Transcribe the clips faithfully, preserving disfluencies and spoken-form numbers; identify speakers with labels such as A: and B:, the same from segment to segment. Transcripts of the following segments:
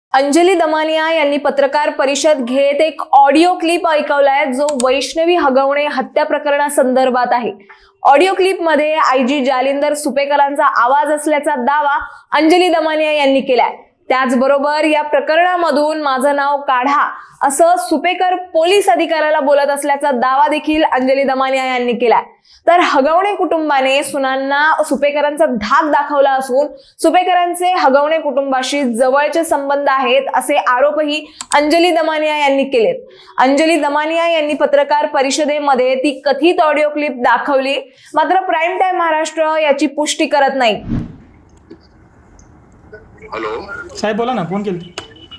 A: अंजली दमानिया यांनी पत्रकार परिषद घेत एक ऑडिओ क्लिप ऐकवलाय जो वैष्णवी हगवणे हत्या प्रकरणासंदर्भात आहे। ऑडिओ क्लिप मध्ये आयजी जालिंदर सुपेकरांचा आवाज असल्याचा दावा अंजली दमानिया यांनी केलाय। त्याचबरोबर या प्रकरणामधून माझं नाव काढा असं सुपेकर पोलीस अधिकाऱ्याला बोलत असल्याचा दावा देखील अंजली दमानिया यांनी केलाय। तर हगवणे कुटुंबाने सुनांना सुपेकरांचा धाक दाखवला असून सुपेकरांचे हगवणे कुटुंबाशी जवळचे संबंध आहेत असे आरोपही अंजली दमानिया यांनी केलेत। अंजली दमानिया यांनी पत्रकार परिषदेमध्ये ती कथित ऑडिओ क्लिप दाखवली, मात्र प्राईम टाइम महाराष्ट्र याची पुष्टी करत नाही।
B: हॅलो
C: साहेब बोला ना, फोन केली।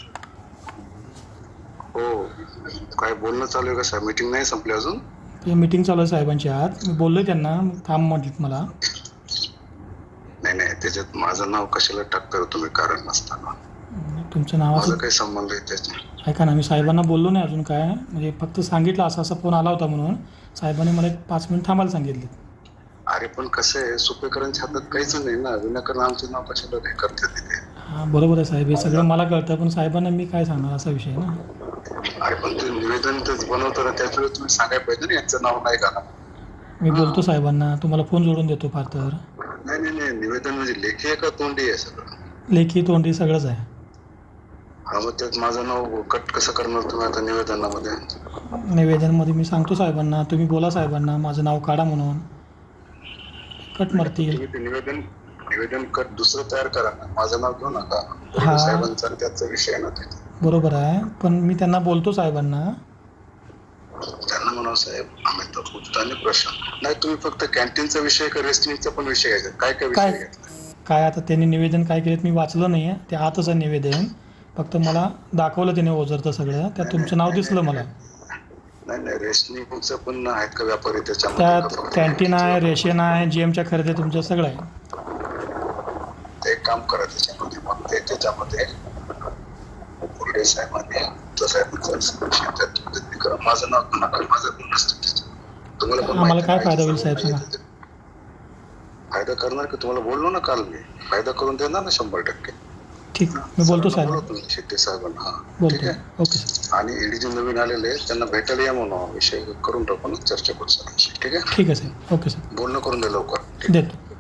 B: हो, काय बोलणं चालू आहे का साहेब? मीटिंग नाही संपली अजून?
C: ते मीटिंग चालू आहे साहेबांची आज। मी बोललोय त्यांना, थांब म्हटलं मला।
B: नाही नाही, त्याच्यात माझं नाव कशाला टाकता तुम्ही कारण नसताना?
C: तुमचं नाव
B: माझा काही संबंध आहे त्याच्यात?
C: ऐका ना, मी साहेबांना बोललो नाही अजून काय, म्हणजे फक्त सांगितलं असा असा फोन आला होता म्हणून साहेबांनी मला एक पाच मिनिट थांबायला सांगितले।
B: अरे पण कसं आहे, सुपेकरांच्या हातात काहीच नाही ना, विनाकारण आमचं नाव कशाला हे करतात तिथे?
C: हां बरोबर आहे साहेब, हे सगळं मला कळतं, पण साहेबांना मी काय सांगणार असा विषय ना।
B: अरे पण ते निवेदन तेच बनवताना त्याच वेळेस तुम्ही सांगायला पाहिजे ना यांचं नाव नाही घाला।
C: मी बोलतो साहेबांना, तुम्हाला फोन जोडून देतो फार तर।
B: नाही नाही नाही, निवेदन म्हणजे लेखी आहे का तोंडी आहे? सगळं
C: लेखी तोंडी सगळंच आहे।
B: हा, मग त्यात माझं नाव कट कसं करणार तुम्ही आता निवेदनामध्ये?
C: निवेदनमध्ये मी सांगतो साहेबांना, तुम्ही बोला साहेबांना माझं नाव काढा म्हणून, कट मारतील।
B: तुम्ही ते निवेदन निवेदन कट दुसरं तयार करा ना, माझं नाव घेऊ नका।
C: हा
B: साहेबांचा त्याचा विषय ना तिथे।
C: बरोबर आहे, पण मी त्यांना बोलतो साहेबांना।
B: त्यांना म्हणावं साहेब आम्ही तर उत्ताने प्रश्न नाही, तुम्ही फक्त कॅन्टीनचा विषय का रेस्टिंगचा पण विषय घ्यायचा? काय काय विषय
C: काय
B: घेतला?
C: काय आता त्यांनी निवेदन काय केलं मी वाचलं नाही आहे, ते आतच आहे निवेदन, फक्त मला दाखवलं त्याने ओझरतं सगळं, त्यात तुमचं नाव दिसलं मला।
B: नाही नाही, रेशनिंगचं पण आहेत का व्यापारी त्याच्यामध्ये?
C: त्यात कॅन्टीन आहे, रेशन आहे, जीएमच्या खरेदी तुमचं सगळं आहे।
B: ते एक काम करा त्याच्यामध्ये, मग ते त्याच्यामध्ये पुढे साहेबांनी तो साहेबांचा करा, माझं नाव नका, माझं पण नसतं त्याच्यात। तुम्हाला पण
C: आम्हाला काय
B: माहिती
C: फायदा होईल
B: आहे,
C: साहेब सांगा?
B: फायदा करणार की? तुम्हाला बोललो ना काल मी, फायदा करून देणार ना शंभर टक्के।
C: ठीक, मी बोलतो साहेब,
B: शेट्टी साहेबांना। हा ठीक
C: बोलतो।
B: आहे,
C: ओके सर।
B: आणि ईडी जे नवीन आलेले आहेत त्यांना भेटायला या म्हणून विषय करून टाकू ना, चर्चा करू सर। ठीक आहे
C: ठीक आहे साहेब, ओके सर,
B: बोलणं करून दे लवकर।
C: देतो।